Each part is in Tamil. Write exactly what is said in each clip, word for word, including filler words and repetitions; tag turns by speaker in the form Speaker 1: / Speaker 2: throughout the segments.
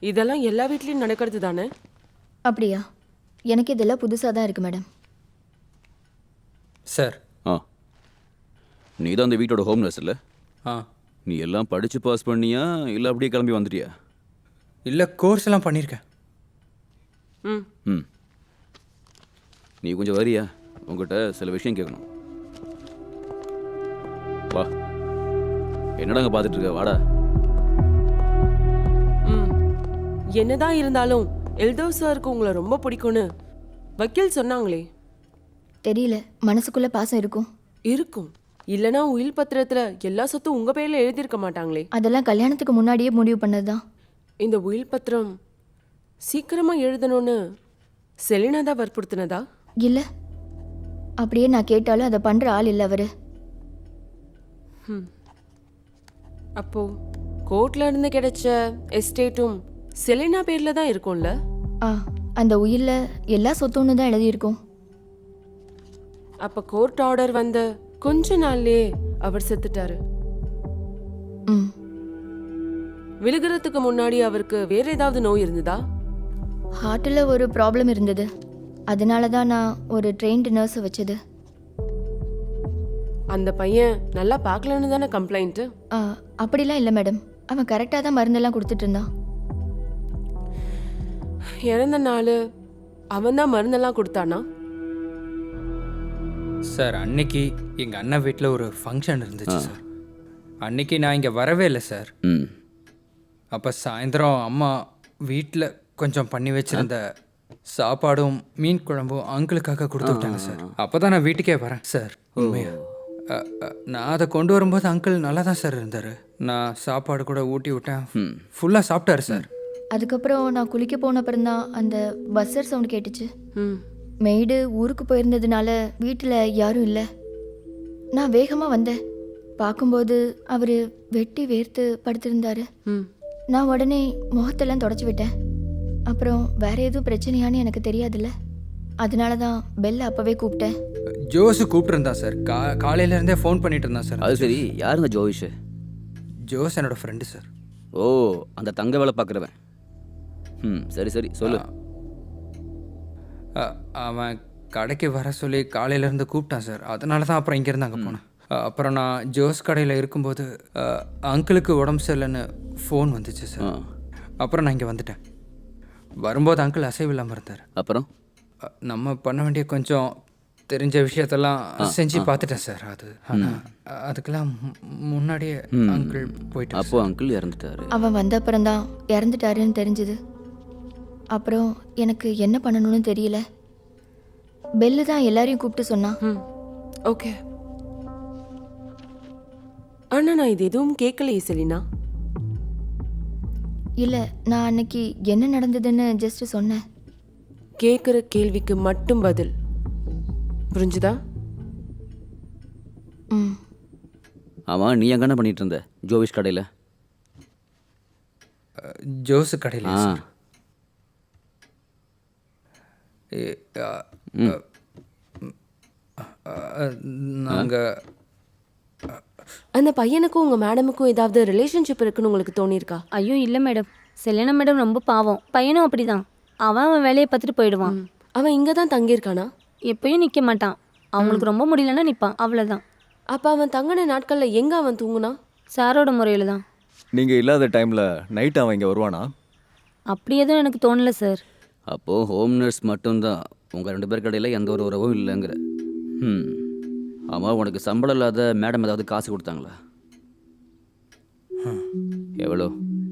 Speaker 1: இதெல்லாம் எல்லா வீட்லயும் நடக்கிறது தானே?
Speaker 2: அப்படியா? எனக்கு இதெல்லாம் புதுசாக தான் இருக்குது மேடம்.
Speaker 3: சார்.
Speaker 4: ஆ, நீ தான் அந்த வீட்டோட ஹோம் நர்ஸ் இல்லை?
Speaker 3: ஆ.
Speaker 4: நீ எல்லாம் படித்து பாஸ் பண்ணியா இல்லை அப்படியே கிளம்பி வந்துட்டியா?
Speaker 3: இல்லை, கோர்ஸ் எல்லாம் பண்ணியிருக்கேன்.
Speaker 1: ம்
Speaker 4: ம், நீ கொஞ்சம் வரியா? உங்ககிட்ட சில விஷயம் கேட்கணும். வா. என்னடா அங்கே பார்த்துட்டு இருக்க? வாடா.
Speaker 1: ம் என்னதான் இருந்தாலும் எல்தோ சாருக்கு உங்களை ரொம்ப பிடிக்கும்னு வக்கீல் சொன்னாங்களே.
Speaker 2: தெரியல, மனசுக்குள்ளே பாசம் இருக்கும்.
Speaker 1: இருக்கும். இல்லைனா உயில் பத்திரத்துல எல்லா சொத்தும் உங்க பேர்ல எழுதியிருக்க மாட்டாங்களே.
Speaker 2: அதெல்லாம் கல்யாணத்துக்கு முன்னாடியே முடிவு பண்ணது தான்.
Speaker 1: இந்த உயில் பத்திரம் சீக்கிரமா எழுதணும்னு செலினா தான் வற்புறுத்தினதா?
Speaker 2: இல்லை, அப்படியே நான் கேட்டாலும் அதை பண்ணுற ஆள் இல்லை அவர்.
Speaker 1: அப்போ கோர்ட்ல இருந்து கிடைச்ச எஸ்டேட்டும் செலினா பேர்ல தான் இருக்கும்ல?
Speaker 2: ஆ, அந்த உயிரில் எல்லா சொத்துன்னு தான் எழுதியிருக்கோம்.
Speaker 1: அப்ப கோர்ட் ஆர்டர் வந்த கொஞ்ச நாள்லயே அவர் செத்துட்டாரு.
Speaker 2: ம்
Speaker 1: விழுகிறதுக்கு முன்னாடி அவருக்கு வேற ஏதாவது நோய் இருந்ததா?
Speaker 2: ஹார்ட்டில் ஒரு ப்ராப்ளம் இருந்தது. அதனால தான் நான் ஒரு ட்ரெயின்டு நர்ஸை வச்சது.
Speaker 1: அந்த பையன் நல்லா பார்க்கலன்னு தானே கம்ப்ளைண்ட்?
Speaker 2: ஆ, அப்படிலாம் இல்லை மேடம். அவன் கரெக்டாக தான் மருந்தெல்லாம் கொடுத்துட்டு இருந்தான்.
Speaker 1: இறந்த நாள் அவன் தான் மருந்தெல்லாம் கொடுத்தானா?
Speaker 3: சார், அன்னைக்கு எங்கள் அண்ணன் வீட்டில் ஒரு ஃபங்க்ஷன் இருந்துச்சு சார். அன்னைக்கு நான் இங்கே வரவே இல்லை சார்.
Speaker 4: ம்,
Speaker 3: அப்போ சாயந்தரம் அம்மா வீட்டில் கொஞ்சம் பண்ணி வச்சிருந்த சாப்பாடும் மீன் குழம்பும் அங்கிளுக்காக கொடுத்து விட்டாங்க சார். அப்போ தான் நான் வீட்டுக்கே வரேன் சார். உண்மையா அ, அ, நான் அதை கொண்டு வரும்போது அங்கிள் நல்லா தான் சார் இருந்தார். நான் சாப்பாடு கூட ஊட்டி விட்டேன். ஃபுல்லாக சாப்பிட்டாரு சார்.
Speaker 2: அதுக்கப்புறம் நான் குளிக்க போன அப்புறம் தான் அந்த பஸ்ஸர் சவுண்ட் கேட்டுச்சு.
Speaker 1: ம்
Speaker 2: மெய்டு ஊருக்கு போயிருந்ததுனால வீட்டில் யாரும் இல்லை. நான் வேகமாக வந்தேன். பார்க்கும்போது அவர் வெட்டி வேர்த்து படுத்திருந்தாரு.
Speaker 1: ம்
Speaker 2: நான் உடனே முகத்தெல்லாம் தொடச்சி விட்டேன். அப்புறம் வேற எதுவும் பிரச்சனையான்னு எனக்கு தெரியாதுல்ல, அதனால தான் பெல்ல அப்போவே கூப்பிட்டேன்.
Speaker 3: ஜோஸு கூப்பிட்டுருந்தான் சார். கா காலையிலேருந்தே ஃபோன் பண்ணிட்டு இருந்தான் சார்.
Speaker 4: அது சரி. யார் இந்த ஜோவிஷ்?
Speaker 3: ஜோஸ் என்னோட ஃப்ரெண்டு சார்.
Speaker 4: ஓ, அந்த தங்க வேலை பார்க்குறவன். ம், சரி சரி சொல்லு.
Speaker 3: அ, அவன் கடைக்கு வர சொல்லி காலையிலேருந்து கூப்பிட்டான் சார். அதனால தான் அப்புறம் இங்கேருந்து அங்கே போனேன். அ, அப்புறம் நான் ஜோஸ் கடையில் இருக்கும்போது அ, அங்கிளுக்கு உடம்பு சரியில்லைன்னு ஃபோன் வந்துச்சு சார். அப்புறம் நான் இங்கே வந்துட்டேன். வரும்போது அங்கிள் அசைவில்லாமல் இருந்தார்.
Speaker 4: அப்புறம்
Speaker 3: அ, நம்ம பண்ண வேண்டிய கொஞ்சம் தெரிஞ்ச விஷயத்தெல்லாம் செஞ்சு பார்த்துட்டேன் சார். அது ஆனால் அதுக்கெல்லாம் மு- முன்னாடியே அங்கிள் போயிட்டு
Speaker 4: அப்போ அங்கிள் இறந்துட்டாரு.
Speaker 2: அவன் வந்த அப்புறம் தான் இறந்துட்டாருன்னு தெரிஞ்சுது. அப்புறம் எனக்கு என்ன பண்ணணும்னு தெரியல. பெல்லு தான் எல்லாரையும் கூப்பிட்டு சொன்னான்.
Speaker 1: ம் ஓகே. ஆனா நான் இது எதுவும் கேட்கலையே செலினா.
Speaker 2: இல்லை, நான் அன்னைக்கு என்ன நடந்ததுன்னு ஜஸ்ட் சொன்னேன்.
Speaker 1: கேட்குற கேள்விக்கு மட்டும் பதில். புரிஞ்சுதா?
Speaker 2: ம்
Speaker 4: ஆமாம், நீ எங்கே என்ன பண்ணிட்டு இருந்த ஜோவிஷ் கடையில்?
Speaker 3: ஜோஸு கடையில்
Speaker 4: ஆ,
Speaker 3: சார். நாங்கள்
Speaker 1: அந்த பையனுக்கும் உங்க மேடமுக்கும் ஏதாவது ரிலேஷன்ஷிப் இருக்குன்னு உங்களுக்கு தோணியிருக்கா?
Speaker 5: ஐயோ இல்லை மேடம், செலினா மேடம் ரொம்ப பாவம். பையனும் அப்படிதான். அவன் அவன் வேலையை பார்த்துட்டு போயிடுவான்.
Speaker 1: ம். அவன் இங்கே தான் தங்கியிருக்கானா?
Speaker 5: எப்பயும் நிற்க மாட்டான். அவங்களுக்கு ரொம்ப முடியலன்னா நிற்பான், அவ்வளோதான்.
Speaker 1: அப்போ அவன் தங்கின நாட்களில் எங்கே அவன் தூங்குனா?
Speaker 5: சாரோட முறையில் தான்.
Speaker 6: நீங்கள் இல்லாத டைமில் நைட் அவன் இங்கே வருவானா?
Speaker 5: அப்படி எதுவும் எனக்கு தோணலை சார்.
Speaker 4: அப்போது ஹோம் நர்ஸ் மட்டும்தான், உங்கள் ரெண்டு பேர் கடையில் எந்த ஒரு உறவும் இல்லைங்கிற. ம், ஆமாம். உனக்கு சம்பளம் இல்லாத மேடம் ஏதாவது காசு கொடுத்தாங்களா? எவ்வளோ?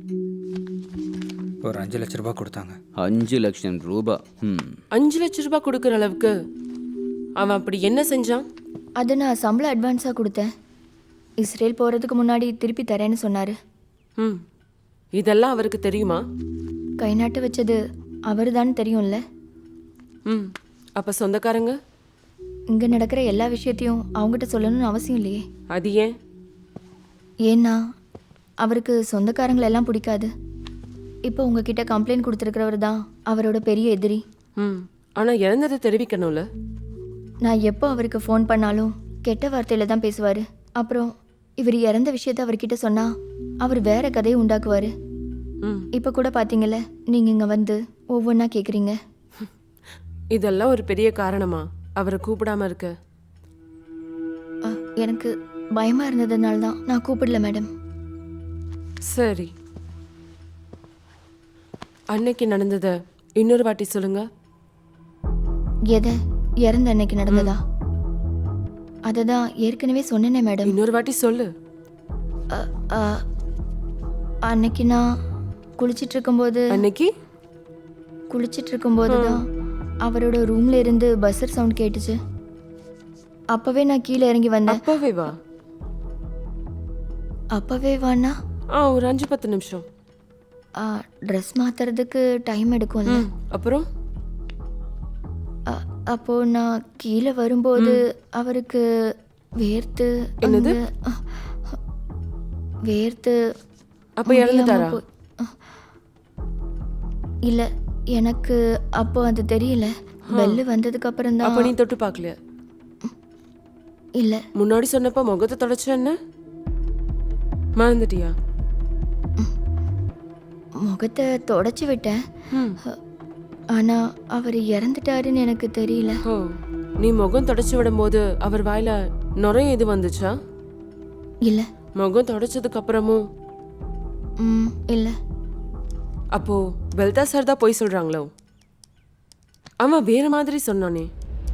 Speaker 3: ஒரு அஞ்சு லட்ச ரூபாய் கொடுத்தாங்க.
Speaker 4: அஞ்சு லட்சம் ரூபா? ம்,
Speaker 1: அஞ்சு லட்ச ரூபாய் கொடுக்குற அளவுக்கு அவன் அப்படி என்ன செஞ்சான்?
Speaker 2: அதை நான் சம்பளம் அட்வான்ஸாக கொடுத்தேன். இஸ்ரேல் போகிறதுக்கு முன்னாடி திருப்பி தரேன்னு சொன்னார்.
Speaker 1: ம் இதெல்லாம் அவருக்கு தெரியுமா?
Speaker 2: கை நாட்டு வச்சது அவர் தான் தெரியும்ல.
Speaker 1: ம் அப்போ சொந்தக்காரங்க?
Speaker 2: இங்கே நடக்கிற எல்லா விஷயத்தையும் அவங்ககிட்ட சொல்லணும்னு அவசியம் இல்லையே.
Speaker 1: அது ஏன்?
Speaker 2: ஏன்னா அவருக்கு சொந்தக்காரங்களெல்லாம் பிடிக்காது. இப்போ உங்ககிட்ட கம்ப்ளைண்ட் கொடுத்துருக்கிறவர் தான் அவரோட பெரிய எதிரி.
Speaker 1: ம் ஆனால் இறந்ததை தெரிவிக்கணும்ல.
Speaker 2: நான் எப்போ அவருக்கு ஃபோன் பண்ணாலும் கெட்ட வார்த்தையில் தான் பேசுவார். அப்புறம் இவர் இறந்த விஷயத்த அவர்கிட்ட சொன்னால் அவர் வேற கதையை உண்டாக்குவார்.
Speaker 1: ம்
Speaker 2: இப்போ கூட பார்த்தீங்கல்ல நீங்கள் இங்கே வந்து ஒவ்வொன்றா கேட்குறீங்க.
Speaker 1: இதெல்லாம் ஒரு பெரிய காரணமா அவரை கூப்பிடாம இருக்க?
Speaker 2: அ, எனக்கு பயமாக இருந்ததுனால தான் நான் கூப்பிடல மேடம்.
Speaker 1: சரி, அன்னைக்கு நடந்ததை இன்னொரு வாட்டி சொல்லுங்க.
Speaker 2: எதை? இறந்த அன்னைக்கு நடந்ததா? அதை தான் ஏற்கனவே சொன்னேனே மேடம்.
Speaker 1: இன்னொரு வாட்டி சொல்லு.
Speaker 2: அ, அ, அன்னைக்கு நான் குளிச்சிட்டு இருக்கும்போது
Speaker 1: அன்னைக்கு
Speaker 2: குளிச்சிட்டு இருக்கும்போது தான் அவரோட ரூம்ல இருந்து பஸ்ஸர் சவுண்ட் கேட்டுச்சு. அப்பவே நான் கீழே இறங்கி வந்தேன்.
Speaker 1: அப்பவே வா.
Speaker 2: அப்பவே வானா
Speaker 1: ஆ ஒரு அஞ்சு பத்து நிமிஷம்.
Speaker 2: ட்ரெஸ் மாத்துறதுக்கு டைம் எடுக்கும்ல.
Speaker 1: ம் அப்புறம்
Speaker 2: அ- அப்போ நான் கீழே வரும்போது அவருக்கு வேர்த்து
Speaker 1: என்னது?
Speaker 2: அங்க, அ, வேர்த்து
Speaker 1: அப்ப
Speaker 2: முடியாம
Speaker 1: இறந்துட்டாரா?
Speaker 2: போய்- அ, இல்ல, எனக்கு அப்போ அது தெரியல. பெல்லு வந்ததுக்கு அப்புறம்
Speaker 1: அப்ப
Speaker 2: தான்.
Speaker 1: நீ தொட்டு பார்க்கலையா?
Speaker 2: இல்ல,
Speaker 1: முன்னாடி சொன்னப்ப முகத்தை தொடச்ச என்ன மறந்துட்டியா?
Speaker 2: முகத்தை தொடச்சி விட்டேன்.
Speaker 1: ம்
Speaker 2: ஆனா அவர் இறந்துட்டாருன்னு எனக்கு தெரியல.
Speaker 1: ஓ, நீ முகம் தொடச்சு விடும்போது அவர் வாயில நுரைய எது வந்துச்சா?
Speaker 2: இல்ல.
Speaker 1: முகம் தொடச்சதுக்கு அப்புறமும்?
Speaker 2: ம் இல்ல.
Speaker 1: அப்போ பெல்தா சார் தான் போய் சொல்றாங்களோ? அவன் வேற மாதிரி சொன்னானே.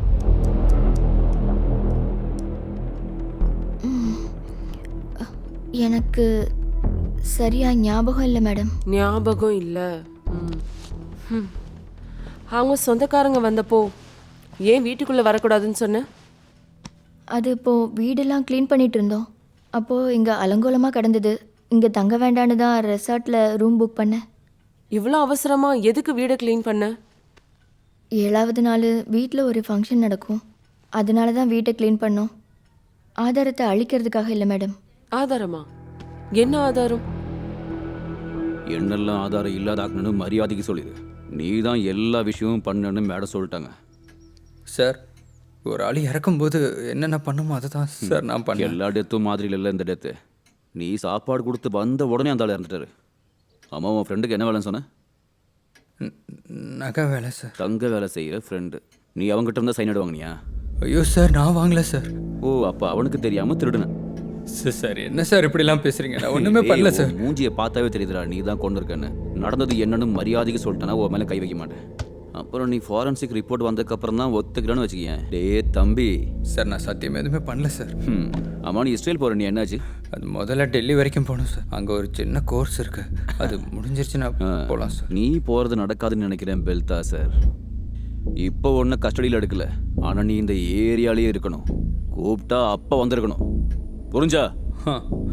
Speaker 2: எனக்கு சரியா ஞாபகம் இல்லை மேடம்.
Speaker 1: ஞாபகம் இல்ல. ம். ம். அவங்க சொந்தக்காரங்க வந்தப்போ ஏன் வீட்டுக்குள்ள வரக்கூடாதுன்னு சொன்ன?
Speaker 2: அது இப்போ வீடெல்லாம் க்ளீன் பண்ணிட்டு இருந்தோம். அப்போ இங்க அலங்கோலமா கிடந்தது. இங்க தங்க வேண்டான்னு தான் ரெசார்ட்ல ரூம் புக் பண்ணேன்.
Speaker 1: இவ்வளோ அவசரமா எதுக்கு வீடை க்ளீன் பண்ண?
Speaker 2: ஏழாவது நாள் வீட்டில் ஒரு ஃபங்க்ஷன் நடக்கும். அதனால தான் வீட்டை க்ளீன் பண்ணோம். ஆதாரத்தை அழிக்கிறதுக்காக இல்லை மேடம்.
Speaker 1: ஆதாரமா? என்ன ஆதாரம்?
Speaker 4: என்னெல்லாம் ஆதாரம் இல்லாதாக்கணும்னு மரியாதைக்கு சொல்லிடு. நீ தான் எல்லா விஷயமும் பண்ணுன்னு மேடம் சொல்லிட்டாங்க.
Speaker 3: சார், ஒரு ஆள் இறக்கும்போது என்னென்ன பண்ணுமோ அதை தான் சார் நான் பண்ணேன்.
Speaker 4: எல்லா டெத்தும் மாதிரி இல்லை இந்த டெத்து. நீ சாப்பாடு கொடுத்து வந்த உடனே அந்த ஆள் இறந்துட்டாரு. ஆமாம், உன் ஃப்ரெண்டுக்கு என்ன வேலைன்னு சொன்ன?
Speaker 3: ந- நகை வேலை சார்.
Speaker 4: தங்க வேலை செய்கிற ஃப்ரெண்டு. நீ அவங்ககிட்ட இருந்தால் சைன் வாங்கினியா?
Speaker 3: ஐயோ சார், நான் வாங்கல சார்.
Speaker 4: ஓ, அப்போ அவனுக்கு தெரியாமல் திருடுனேன்.
Speaker 3: சார் சார் என்ன சார் இப்படிலாம் பேசுறீங்க? நான் ஒன்றுமே பண்ணல சார்.
Speaker 4: மூஞ்சியை பார்த்தாவே தெரியுதுடா நீ தான் கொண்டு இருக்கேன்னு. நடந்தது என்னன்னு மரியாதைக்கு சொல்லிட்டேன்னா உன் மேலே கை வைக்க மாட்டேன். அப்புறம் நீ ஃபாரன்சிக் ரிப்போர்ட் வந்ததுக்கப்புறம் தான் ஒத்துக்கிறேன்னு வச்சுக்கேன். டே தம்பி.
Speaker 3: சார், நான் சத்தியம் எதுவுமே பண்ணல சார்.
Speaker 4: ம் ஆமாம், நீ இஸ்ரேல் போகிற நீ என்னாச்சு?
Speaker 3: அது முதல்ல டெல்லி வரைக்கும் போகணும் சார். அங்கே ஒரு சின்ன கோர்ஸ் இருக்கு. அது முடிஞ்சிருச்சுன்னா போகலாம் சார்.
Speaker 4: நீ போகிறது நடக்காதுன்னு நினைக்கிறேன் பெல்தா சார். இப்போ ஒன்றும் கஸ்டடியில் எடுக்கல. ஆனால் நீ இந்த ஏரியாலேயே இருக்கணும். கூப்பிட்டா அப்போ வந்திருக்கணும். புரிஞ்சா?
Speaker 3: ஆ.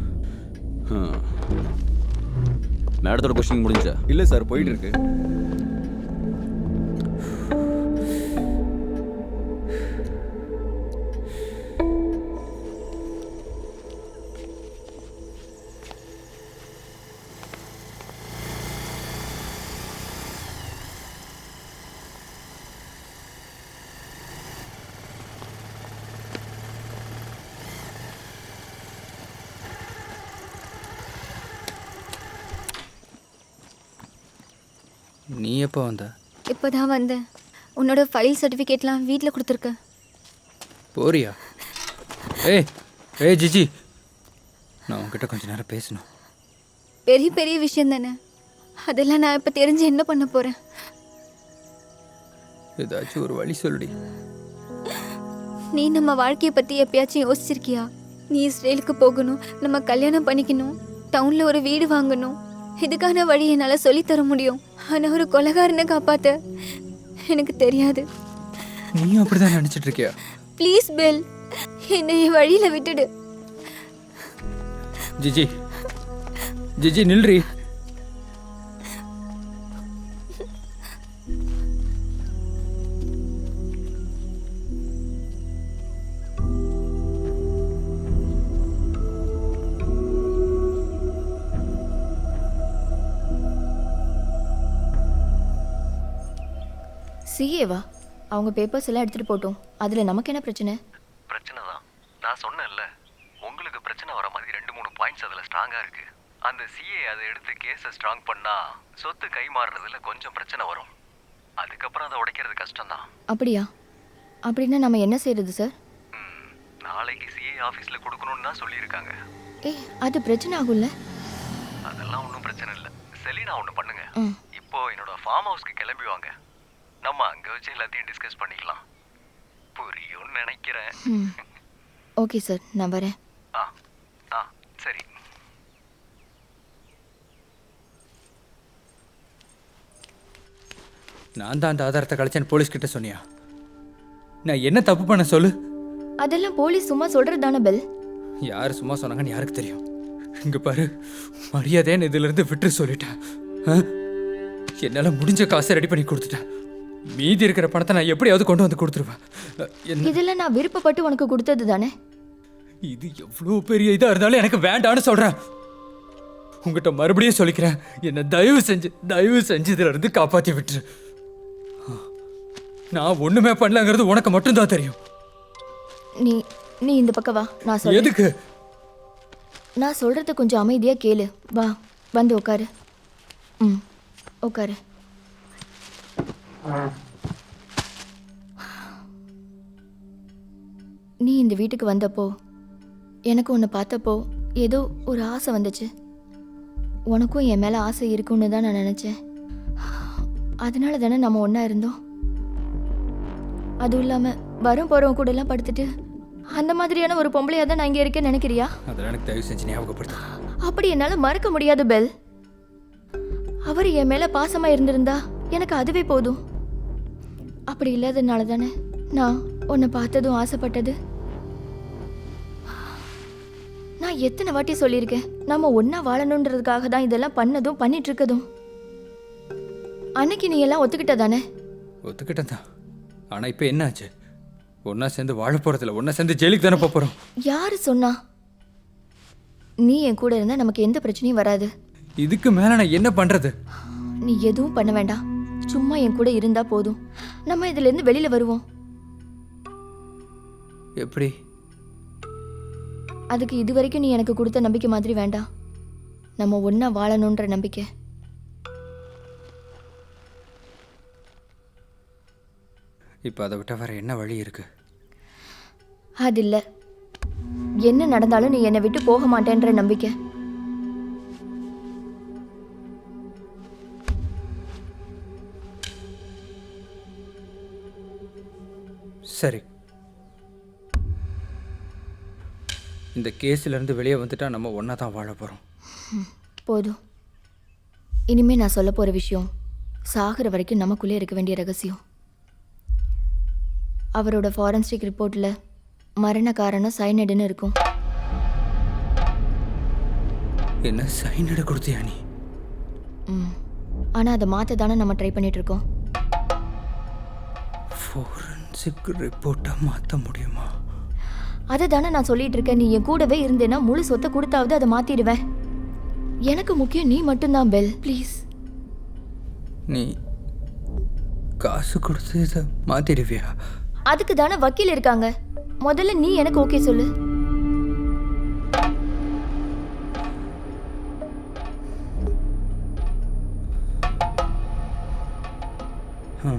Speaker 4: மேடத்தோட கொஸ்டின் முடிஞ்சா?
Speaker 6: இல்லை சார், போயிட்டு இருக்கு.
Speaker 3: நீ எப்போ வந்த?
Speaker 7: இப்போ தான் வந்தேன். உன்னோட ஃபைல் சர்டிஃபிகேட்லாம் வீட்டில் கொடுத்துருக்க.
Speaker 3: போறியா? ஏய் ஏய் ஜிஜி, நான் உன்கிட்ட கொஞ்ச நேரம் பேசணும்.
Speaker 7: பெரிய பெரிய விஷயம் தானே, அதெல்லாம் நான் இப்போ தெரிஞ்சு என்ன பண்ண போகிறேன்?
Speaker 3: ஏதாச்சும் ஒரு வழி சொல்லுடி.
Speaker 7: நீ நம்ம வாழ்க்கையை பற்றி எப்பயாச்சும் யோசிச்சிருக்கியா? நீ இஸ்ரேலுக்கு போகணும், நம்ம கல்யாணம் பண்ணிக்கணும், டவுனில் ஒரு வீடு வாங்கணும். இதுக்கான வழி என்னால் சொல்லித்தர முடியும். ஆனால் ஒரு கொலைகாரனை காப்பாற்ற எனக்கு தெரியாது.
Speaker 3: நீயும் அப்படிதான் நினைச்சிட்டு இருக்கியா?
Speaker 7: ப்ளீஸ் பெல், என்னை என் வழியில் விட்டுடு.
Speaker 3: ஜிஜி ஜிஜி நில்றி.
Speaker 2: சிஏவா? அவங்க பேப்பர்ஸ் எல்லாம் எடுத்துகிட்டு போட்டோம். அதில் நமக்கு என்ன பிரச்சனை?
Speaker 8: பிரச்சனை தான். நான் சொன்னேன்ல, உங்களுக்கு பிரச்சனை வர மாதிரி ரெண்டு மூணு பாயிண்ட்ஸ் அதில் ஸ்ட்ராங்காக இருக்குது. அந்த சிஏ அதை எடுத்து கேஸை ஸ்ட்ராங் பண்ணா சொத்து கை மாறுறதுல கொஞ்சம் பிரச்சனை வரும். அதுக்கப்புறம் அதை உடைக்கிறது கஷ்டம்தான்.
Speaker 2: அப்படியா? அப்படின்னா நம்ம என்ன செய்யறது சார்?
Speaker 8: ம், நாளைக்கு சிஏ ஆஃபீஸில் கொடுக்கணும்னு தான் சொல்லியிருக்காங்க.
Speaker 2: ஏ, அது பிரச்சனை ஆகும்ல?
Speaker 8: அதெல்லாம் ஒன்றும் பிரச்சனை இல்லை. செலினா ஒன்று பண்ணுங்க.
Speaker 2: ம்.
Speaker 8: இப்போ என்னோட ஃபார்ம் ஹவுஸ்க்கு கிளம்பி வாங்க. நம்ம அங்கே வச்சு எல்லாத்தையும் டிஸ்கஸ் பண்ணிக்கலாம். புரியும்னு நினைக்கிறேன்.
Speaker 2: ம். ஓகே சார், நான் வரேன்.
Speaker 8: ஆ ஆ சரி.
Speaker 3: நான் தான் அந்த ஆதாரத்தை கழிச்சேன்னு போலீஸ்கிட்ட சொன்னியா? நான் என்ன தப்பு பண்ண சொல்லு?
Speaker 2: அதெல்லாம் போலீஸ் சும்மா சொல்றது தானே பெல்.
Speaker 3: யார் சும்மா சொன்னாங்கன்னு யாருக்கு தெரியும்? இங்க பாரு, மரியாதைன்னு இதுல இருந்து விட்டு சொல்லிட்டேன். ஆ? என்னால முடிஞ்ச காசை ரெடி பண்ணி கொடுத்துட்டேன். மீதி இருக்கிற பணத்தை நான் எப்படியாவது கொண்டு வந்து கொடுத்துருவேன். என்ன
Speaker 2: இதெல்லாம் நான் விருப்பப்பட்டு உனக்கு கொடுத்தது தானே?
Speaker 3: இது எவ்வளோ பெரிய இதா இருந்தாலும் எனக்கு வேண்டான்னு சொல்றேன். உங்ககிட்ட மறுபடியும் சொல்லிக்கிறேன், என்னை தயவு செஞ்சு தயவு செஞ்சு இதுல இருந்து காப்பாத்தி விட்டுரு. நான் ஒண்ணுமே பண்ணலங்கிறது உனக்கு மட்டும்தான் தெரியும்.
Speaker 2: நீ நீ இந்த பக்கம் வா, நான் சொல்றேன்.
Speaker 3: எதுக்கு?
Speaker 2: நான் சொல்றத கொஞ்சம் அமைதியா கேளு. வா, வந்து உட்காரு. ம், உட்காரு. நீ இந்த வீட்டுக்கு வந்தப்போ எனக்கு உன்னை பார்த்தப்போ ஏதோ ஒரு ஆசை வந்துச்சு. உனக்கும் என் மேலே ஆசை இருக்குன்னு தான் நான் நினச்சேன். அதனால தானே நம்ம ஒன்றா இருந்தோம். அதுவும் இல்லாமல் வரும் போகிறவங்க கூட எல்லாம் படுத்துட்டு அந்த மாதிரியான ஒரு பொம்பளையாக தான் நான் இங்கே இருக்கேன்னு நினைக்கிறியா?
Speaker 3: அதெல்லாம் எனக்கு தயவு செஞ்சு ஞாபகப்படுத்து.
Speaker 2: அப்படி என்னால் மறக்க முடியாது பெல். அவர் என் மேலே பாசமாக இருந்திருந்தா எனக்கு அதுவே போதும். அப்படி இல்லாததுனால தானே நான் உன்னை பார்த்ததும் ஆசைப்பட்டது. நான் எத்தனை வாட்டி சொல்லியிருக்கேன், நம்ம ஒன்றா வாழணுன்றதுக்காக தான் இதெல்லாம் பண்ணதும் பண்ணிட்டு இருக்கதும். அன்னைக்கு நீ எல்லாம் ஒத்துக்கிட்ட தானே?
Speaker 3: ஒத்துக்கிட்டேன் தான். ஆனால் இப்போ என்ன ஆச்சு? ஒன்றா சேர்ந்து வாழ போகிறதில்ல, ஒன்றா சேர்ந்து ஜெயிலுக்கு தானே போகிறோம்.
Speaker 2: யாரு சொன்னா? நீ என் கூட இருந்தால் நமக்கு எந்த பிரச்சனையும் வராது.
Speaker 3: இதுக்கு மேலே நான் என்ன பண்ணுறது?
Speaker 2: நீ எதுவும் பண்ண வேண்டாம், சும்மா என் கூட இருந்தா போதும். நம்ம இதுலேருந்து வெளியில் வருவோம்.
Speaker 3: எப்படி?
Speaker 2: அதுக்கு இது வரைக்கும் நீ எனக்கு கொடுத்த நம்பிக்கை மாதிரி வேண்டாம். நம்ம ஒன்றா வாழணுன்ற நம்பிக்கை.
Speaker 3: இப்போ அதை விட்ட வேற என்ன வழி இருக்கு?
Speaker 2: அது இல்லை, என்ன நடந்தாலும் நீ என்னை விட்டு போக மாட்டேன்ற நம்பிக்கை.
Speaker 3: சரி, இந்த கேஸிலேருந்து வெளியே வந்துட்டா நம்ம ஒன்றா தான் வாழ போகிறோம்.
Speaker 2: போதும். இனிமே நான் சொல்ல போகிற விஷயம் சாகிற வரைக்கும் நமக்குள்ளே இருக்க வேண்டிய ரகசியம். அவரோட ஃபாரன்சிக் ரிப்போர்ட்டில் மரண காரணம் சைனடுன்னு இருக்கும்.
Speaker 3: என்ன சைனடு கொடுத்தியா நீ?
Speaker 2: ம், ஆனால் அதை மாற்ற தானே நம்ம ட்ரை பண்ணிட்டு இருக்கோம்.
Speaker 3: ஃபாரன்சிக் ரிப்போர்ட்டை மாற்ற முடியுமா?
Speaker 2: அதை தானே நான் சொல்லிட்டு இருக்கேன். நீ என் கூடவே இருந்தேன்னா முழு சொத்தை கொடுத்தாவது அதை மாற்றிடுவேன். எனக்கு முக்கியம் நீ மட்டும்தான் பெல், ப்ளீஸ்.
Speaker 3: நீ காசு கொடுத்து இதை மாற்றிடுவியா?
Speaker 2: அதுக்கு தானே வக்கீல் இருக்காங்க. முதல்ல நீ எனக்கு ஓகே சொல்லு.
Speaker 3: ம்.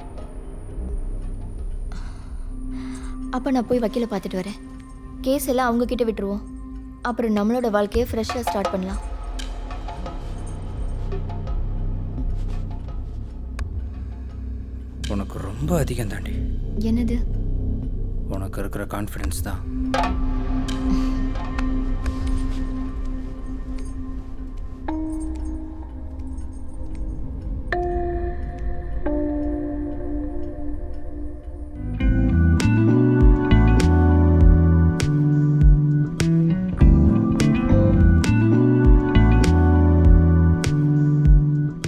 Speaker 2: அப்போ நான் போய் வக்கீலை பார்த்துட்டு வரேன். கேஸ் எல்லாம் அவங்க கிட்ட விட்டுருவோம். அப்புறம் நம்மளோட வாழ்க்கையை ஃப்ரெஷ்ஷாக ஸ்டார்ட் பண்ணலாம்.
Speaker 3: உனக்கு ரொம்ப அதிகம் தாண்டி.
Speaker 2: என்னது?
Speaker 3: உனக்கு இருக்கிற கான்ஃபிடன்ஸ் தான்